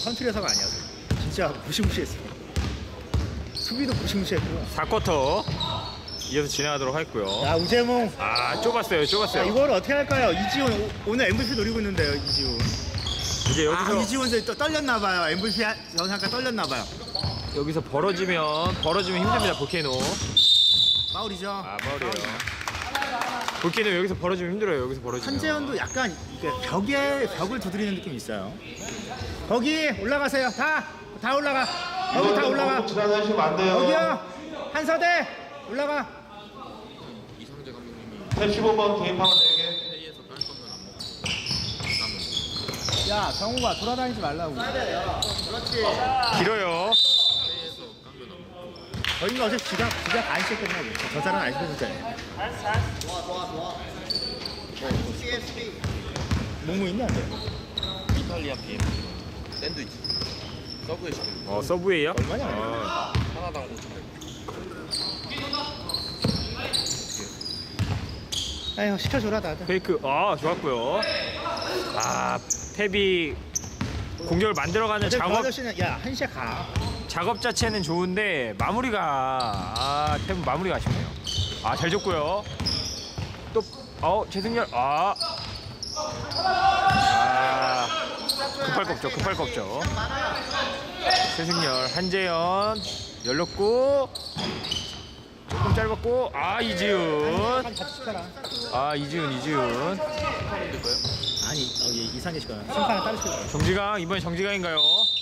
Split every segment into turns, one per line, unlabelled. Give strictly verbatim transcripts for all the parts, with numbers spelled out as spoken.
컨트리에서가 아니야. 진짜 무시무시했어. 수비도 무시무시했고.
사 쿼터 이어서 진행하도록 하겠고요.
야, 우재몽.
아, 좁았어요.
자,
좁았어요.
이걸 어떻게 할까요? 이지훈 오, 오늘 엠브이피 노리고 있는데요, 이지훈.
이제 여기서
아, 이지훈 또 떨렸나봐요. 엠브이피 영상가 떨렸나봐요.
여기서 벌어지면 벌어지면 힘듭니다. 볼케이노.
파울이죠.
아, 파울이에요. 볼케이노 여기서 벌어지면 힘들어요. 여기서 벌어지면.
한재현도 약간 이게 벽에 벽을 두드리는 느낌이 있어요. 거기 올라가세요. 다, 다 올라가. 거기 다 올라가.
지나다니시면 안 돼요.
거기요. 한서대 올라가.
십오 번 개인 파울 네 개.
야, 정우가 돌아다니지 말라고.
길어요.
저희가 어제 지각 지각 안 시켰겠네. 저 사람 안 시켰잖아요. 뭐뭐 있냐, 안
이탈리아 비엠 샌드위치 서브웨이 시키는
어, 서브웨이요?
얼마냐?
어,
하나당 오천백.
아유, 시켜줘라 다들.
페이크. 아, 좋았고요. 아, 탭이 공격을 만들어가는
어제 그
작업
아저씨는 야, 한 시에 가.
작업 자체는 좋은데 마무리가 아, 탭은 마무리가 아쉽네요. 아, 잘 줬고요. 또 어, 최승열. 아. 아. 급할 거 없죠. 급할 거 없죠. 최승열, 한재현 열렸고 조금 짧았고 아, 이지훈.
같이 시켜라.
아, 이지훈, 이지훈.
아니, 어, 얘 이상해 시켜. 심판을 따로 시켜.
정지강, 이번엔 정지강인가요?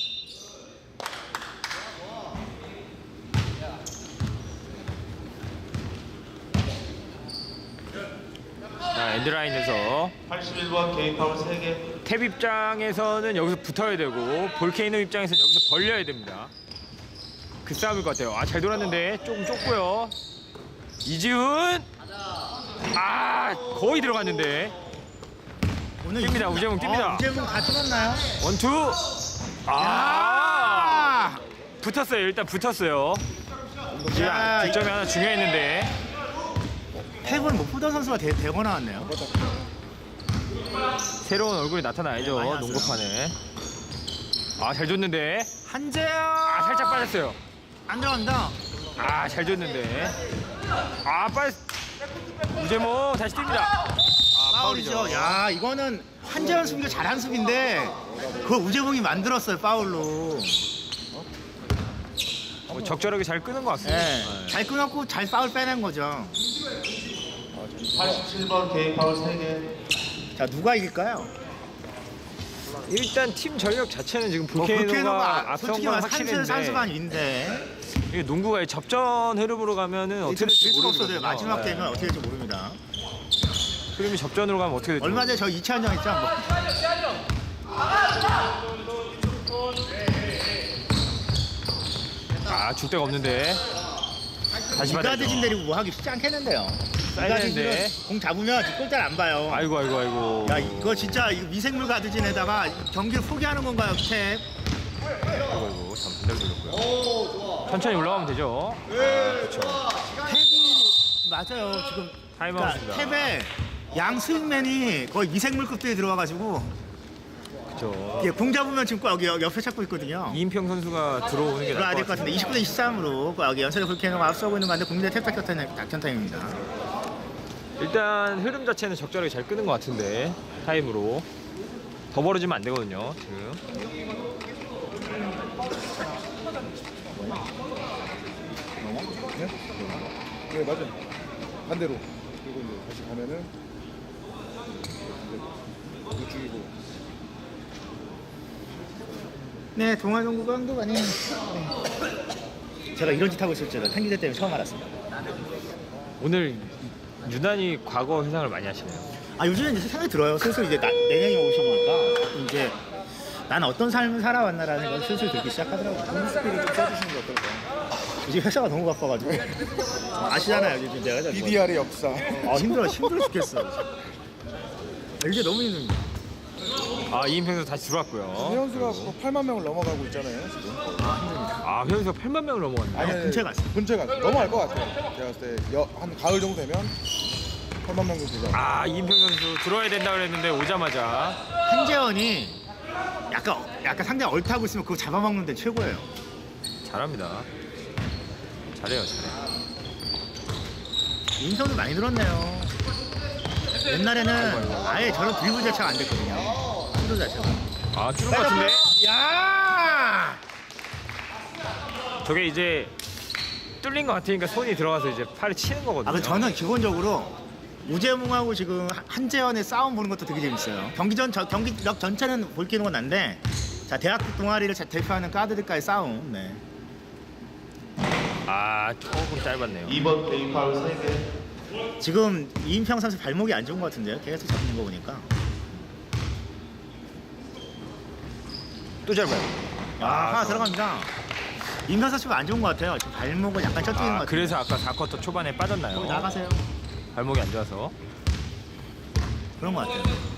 자, 엔드라인에서
팔십일 번 개인 파울 세 개.
탭 입장에서는 여기서 붙어야 되고 볼케이노 입장에서는 여기서 벌려야 됩니다. 그 싸움일 것 같아요. 아, 잘 돌았는데 조금 좁고요. 이지훈. 아, 거의 들어갔는데.
오늘
뜁니다,
이기나?
우재몽 뜁니다.
어, 우재몽 다 뚫었나요?
원투. 아, 붙었어요. 일단 붙었어요. 이제
야,
득점이 하나 중요했는데.
탭은 못 보던 선수가 대, 대거 나왔네요.
새로운 얼굴이 나타나야죠.
많이 왔어요.
농구판에. 아, 잘 줬는데.
한재현.
아, 살짝 빠졌어요.
안 들어간다.
아, 잘 줬는데. 아, 빨리. 우재몽 다시 뜁니다. 아,
파울이죠.
파울이죠.
야, 이거는 한재현 수비가 잘한 수비인데 그거 우재봉이 만들었어요, 파울로.
뭐 적절하게 잘 끄는 것 같습니다.
네.
네.
잘 끊었고 잘 파울 빼낸 거죠.
팔십칠 번 개인 파울 세 개.
자, 누가 이길까요?
일단 팀 전력 자체는 지금
뭐
볼케이노가
볼케이노가
앞선
솔직히
건
말해서 산수 산수가
확실한데
아닌데
이게 농구가 접전 흐름으로 가면은 어떻게 될지
수가 없어져요.
모르거든요.
마지막
네.
되면 어떻게 될지 모릅니다.
흐름이 접전으로 가면 어떻게 될지
얼마 전에 저 이찬영 있잖아. 뭐.
아, 줄 데가 없는데 다시 받아야죠.
이가드진 데리고 뭐 하기 쉽지 않겠는데요.
사이드인데.
이가드진은 공 잡으면 골대를 안 봐요.
아이고 아이고 아이고.
야, 이거 진짜 이거 미생물 가드진에다가 경기를 포기하는 건가요, 탭?
아이고 아이고. 참 반대로 돌렸고요. 천천히 올라가면 되죠. 아, 그렇죠.
탭이 맞아요. 지금
타임아웃입니다.
탭에 양 스윙맨이 거의 미생물급들이 들어와가지고
그렇죠.
예, 공 잡으면 지금 꼭 여기 옆에 찾고 있거든요.
이인평 선수가 들어오는 게
들어와야
나을
될
것
것 같은데
같습니다.
이십구 대 이십삼으로 여기 연세대 볼케이노가 앞서고 있는 가운데 국내 탭 작전, 작전 타임입니다.
일단 흐름 자체는 적절하게 잘 끄는 것 같은데 타임으로 더 벌어지면 안 되거든요. 지금.
네, 맞아요. 반대로. 그리고 이제 다시 가면은 이제 이쪽이고.
네, 동아농구 감독 아닌 제가 이런 짓 하고 있을 줄은 한기대 때문에 처음 알았습니다.
오늘 유난히 과거 회상을 많이 하시네요.
아, 요즘에 이제 생각이 들어요. 슬슬 이제 나, 내년이 오시니까 이제 난 어떤 삶을 살아왔나라는 생각이 슬슬 들기 시작하더라고요.
스피를 좀 써주시는 게 어떨까요?
요즘 회사가 너무 바빠가지고 아시잖아요. 요즘 내가
비디알의 역사.
아, 힘들어 힘들어 죽겠어. 이게 너무 힘듭니다.
아, 이인평 선수 다시 들어왔고요.
회원수가 뭐 팔만 명을 넘어가고 있잖아요, 지금.
아, 회원수가 팔만 명을 넘어갔네요.
아니,
근처에 갔어.
근처에 갔어. 넘어갈 것 같아요. 제가 봤을 때 한 가을 정도 되면 팔만 명 정도 되죠.
아, 이인평 선수 들어와야 된다 그랬는데 오자마자
한재원이 약간 약간 상대 얼타고 있으면 그거 잡아먹는 데 최고예요.
잘합니다. 잘해요, 잘해.
인성도 많이 늘었네요. 옛날에는 아예 저런 드리블 자체가 안 됐거든요. 시도 자체가.
아, 뚫은 것 같은데?
야!
저게 이제 뚫린 것 같으니까 손이 들어가서 이제 팔에 치는 거거든요.
아, 근데 저는 기본적으로 우재몽하고 지금 한재현의 싸움 보는 것도 되게 재밌어요. 경기 전 저, 경기력 전체는 볼기는 건 난데, 자 대학교 동아리를 자- 대표하는 카드들과의 싸움. 네.
아, 조금 짧았네요.
이 번 개인 파울 세 개.
지금 이인평 선수 발목이 안 좋은 것 같은데요. 계속 잡는 거 보니까.
또 짧아요.
아, 하나 들어갑니다. 임평 선수가 안 좋은 것 같아요. 지금 발목을 약간 쪄뜨리는 것
아,
같아요.
그래서 아까 사 쿼터 초반에 빠졌나요?
거기 나가세요.
발목이 안 좋아서.
그런 것 같아요.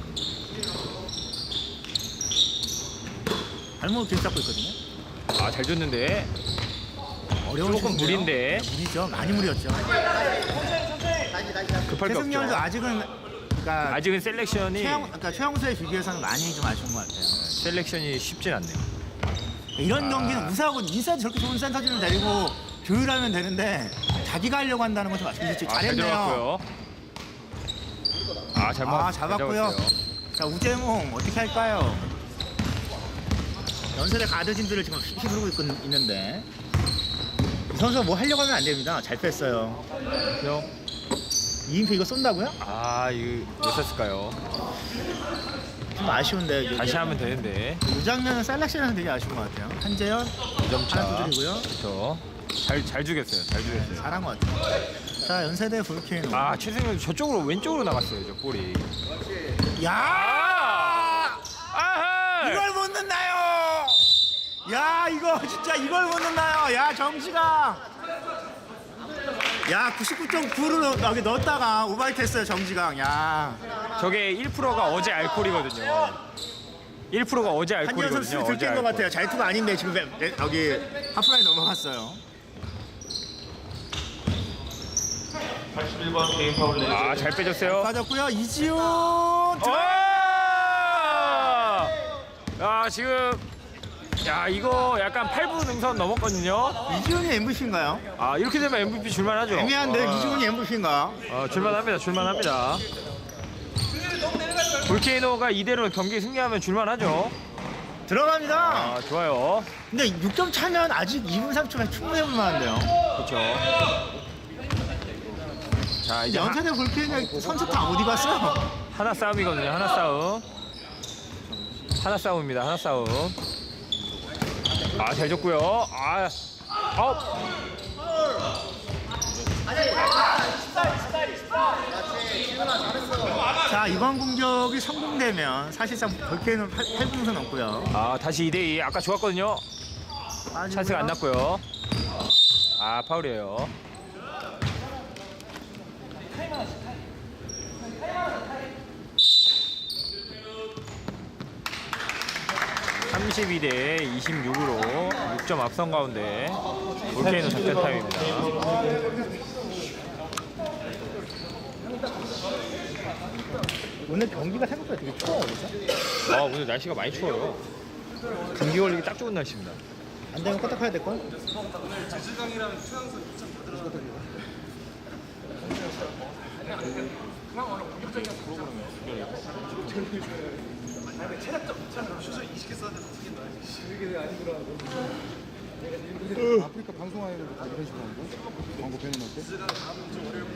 발목을 계속 잡고 있거든요.
아, 잘 줬는데.
어려운
조금
슛인데요.
무리인데.
무리죠. 많이 무리였죠.
급할 게
최승열도
없죠.
아직은 그러니까
아직은 셀렉션이
최영, 그러니까 최영수에 비교해서는 많이 좀 아쉬운 것 같아요.
셀렉션이 쉽진 않네요.
이런
아.
경기는 우사하고 인사이드 저렇게 좋은 센터진을 데리고 조율하면 되는데 자기가 하려고 한다는 건 좀 아쉽죠.
아, 잘
잘했네요.
들어갔고요. 아, 잘,
아,
먹,
잡았고요. 자, 우재몽 어떻게 할까요? 연설의 가드진들을 지금 휘두르고 있, 있는데 이 선수가 뭐 하려고 하면 안 됩니다. 잘 뺐어요.
요
이인표 이거 쏜다고요?
아, 이거 왜 썼을까요?
좀 아쉬운데 이게
다시 하면 되는데.
이 장면은 셀렉션에서 되게 아쉬운 것 같아요. 한재현
이 점 차.
하나 두드리고요.
그렇죠. 잘, 잘 주겠어요. 잘 주겠어요.
잘한 것 같아요. 자, 연세대 볼케이노.
아, 최승현 저쪽으로 왼쪽으로 나갔어요. 저 볼이.
야!
아하!
이걸 못 넣나요? 야, 이거 진짜 이걸 못 넣나요? 야, 정지강. 야, 구십구 점 구를 여기 넣었다가 오바이트 했어요, 정지강. 야.
저게 일 퍼센트가 어제 알콜이거든요. 일 퍼센트가 어제
한지현 선수
알콜이거든요. 어제
들킨 것
알콜.
같아요. 잘투가 아닌데 지금 매- 매- 여기 하프라인 넘어갔어요.
팔십일 번 개인 파울 네 개.
아, 잘 빼줬어요.
빠졌고요. 이지훈.
와!
들어-
야, 지금 야, 이거 약간 팔 분 능선 넘었거든요.
이지훈이 엠브이피인가요?
아, 이렇게 되면 엠브이피 줄만하죠.
애매한데
아,
이지훈이 엠브이피인가?
아, 줄만합니다. 줄만합니다. 볼케이노가 이대로 경기 승리하면 줄만하죠.
들어갑니다.
아, 좋아요.
근데 육 점 차면 아직 이 분 삼 초면 충분히 해볼 만한데요.
그렇죠. 자, 이제 하,
연세대 볼케이노 선수 다 어디 갔어요?
하나 싸움이거든요. 하나 싸움. 하나 싸움입니다. 하나 싸움. 아, 잘 줬고요. 아, 아웃.
자, 이번 공격이 성공되면 사실상 볼케이노 팔 분선 넘고요.
아, 다시 이 대 이. 아까 좋았거든요. 찬스가 안 났고요. 아, 파울이에요. 삼십이 대 이십육으로 육 점 앞선 가운데 볼케이노 작전 타임입니다.
오늘 경기가 생각보다 되게 추워요, 그죠?
아, 오늘 날씨가 많이 추워요. 감기 걸리기 딱 좋은 날씨입니다.
안 되면 껐다 파야 될 걸?
아프리카 방송하는 거 다 이런 식으로 하는 거? 광고 배너할 때?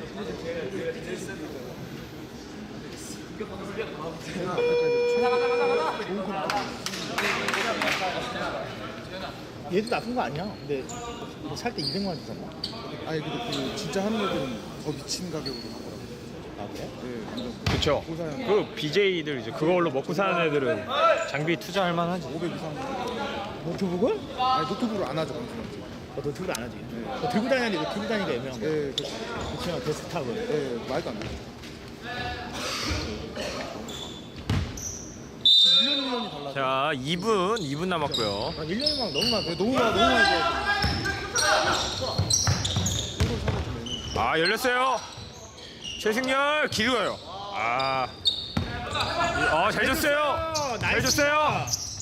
얘도 나쁜 거 아니야. 근데 살 때 이백만 원 주잖아.
아니 근데 그 진짜 하는 애들은 더 미친 가격으로 하더라고요.
아, 그래?
네, 완전
그렇죠. 그 비제이들 이제 그걸로 먹고 사는 애들은 장비 투자할 만하지.
오백 이상.
노트북을?
아니 노트북으로 안 하죠 방송.
어, 노트북을 안 하지. 어, 들고 다니는데 이거 들고 다니기가 애매한 거.
예, 그,
그렇죠. 데스크탑을.
예, 말도 안 돼. 일 년 일 년이 달라.
자, 이 분, 이 분 남았고요.
아, 일 년이 막 너무 많아.
네, 너무 많아, 너무 많이 좋아.
아, 열렸어요. 최승열 길어요. 아, 아, 잘 줬어요. 잘 줬어요.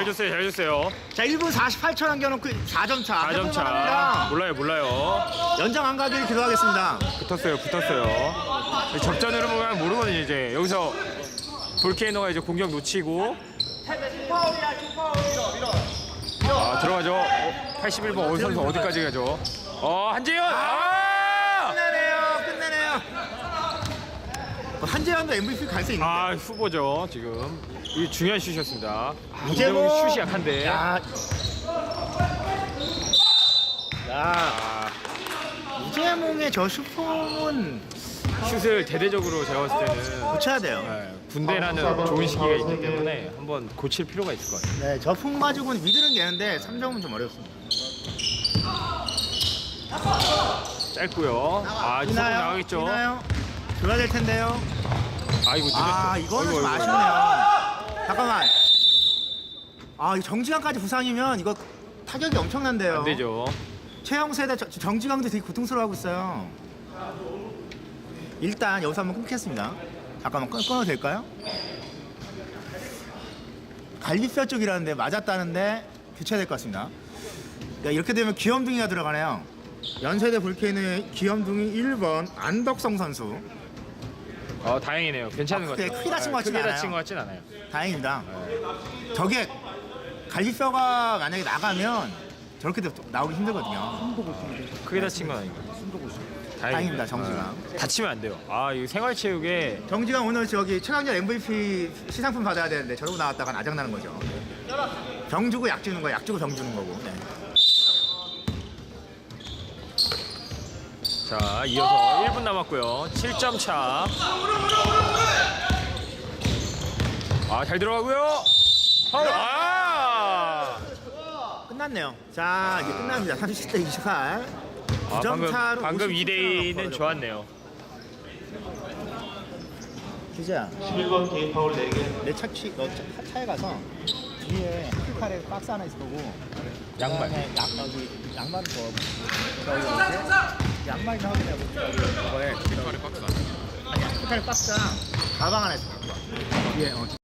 줬어요, 잘 줬어요.
자, 일 분 사십팔 초 남겨놓고 사 점 차.
사 점 차.
해볼만합니다.
몰라요, 몰라요.
연장 안 가기를 기도하겠습니다.
붙었어요, 붙었어요. 접전으로 보면 모르거든요, 이제. 여기서 볼케이노가 이제 공격 놓치고. 아, 들어가죠. 어, 팔십일 번 어디 선수 어디까지 가죠? 어, 한재현! 아!
끝내네요, 끝내네요. 한재현도 엠브이피 갈 수 있는데.
아, 후보죠, 지금. 이 중요한 슛이었습니다. 아,
우재몽
우재몽이 슛이 약한데.
야, 야,
아,
우재몽의 저 슈퍼는
슛을 대대적으로 제가 봤을 때는
고쳐야 돼요.
네, 군대라는 좋은 시기가 있기 때문에 한번 고칠 필요가 있을 것 같아요.
네, 저풍 가지고는 미들은 되는데 삼 점은 좀 어렵습니다.
짧고요. 아, 이제
이나요?
나가겠죠.
이나요? 줘야 될 텐데요.
아이고, 늦었어.
아, 이거는
어이구,
좀
어이구.
아쉽네요. 잠깐만. 아, 이 정지강까지 부상이면 이거 타격이 엄청난데요.
안 되죠.
최영세대 저- 정지강도 되게 고통스러워하고 있어요. 일단 여기서 한번 끊겠습니다. 잠깐만 끊, 끊어도 될까요? 갈비뼈 쪽이라는데 맞았다는데 교체해야 될 것 같습니다. 그러니까 이렇게 되면 귀염둥이가 들어가네요. 연세대 볼케이노의 귀염둥이 일 번 안덕성 선수.
어, 다행이네요. 괜찮은
아,
것
크게-
같아요.
크게 다친 것 같진
크게
않아요.
다친 것 같진 않아요.
다행입니다. 저게 갈비뼈가 만약에 나가면 저렇게 도- 나오기 힘들거든요.
숨도 못 쉬는데.
크게 다친 건 아니고.
숨도 못 쉬는데.
다행입니다, 정지강.
아, 다치면 안 돼요. 아, 이 생활체육에
정지강 오늘 저기 최강자 엠브이피 시상품 받아야 되는데 저러고 나왔다가 아장나는 거죠. 병 주고 약 주는 거야, 약 주고 병 주는 거고. 네.
자, 이어서 일 분 남았고요. 칠 점 차. 아, 잘 들어가고요. 파울. 아!
끝났네요. 자, 이제 끝납니다. 삼십 대 이십팔.
아,
구 점
방금
차로
방금 이 대 이는
벌어졌고.
좋았네요.
기자,
십일 번 개인 파울 네 개.
내 차치, 너 차, 차에 가서 뒤에 아프리카레 박스 하나 있을 거고
양말.
그다음에 양, 여기 양말을 줘. 저기 이렇게 양말이나 확인하고 저기 그거에 아프리카레 박스 아니 아프리카레 박스랑 가방 하나 있어 갖고 와. 뒤에 어,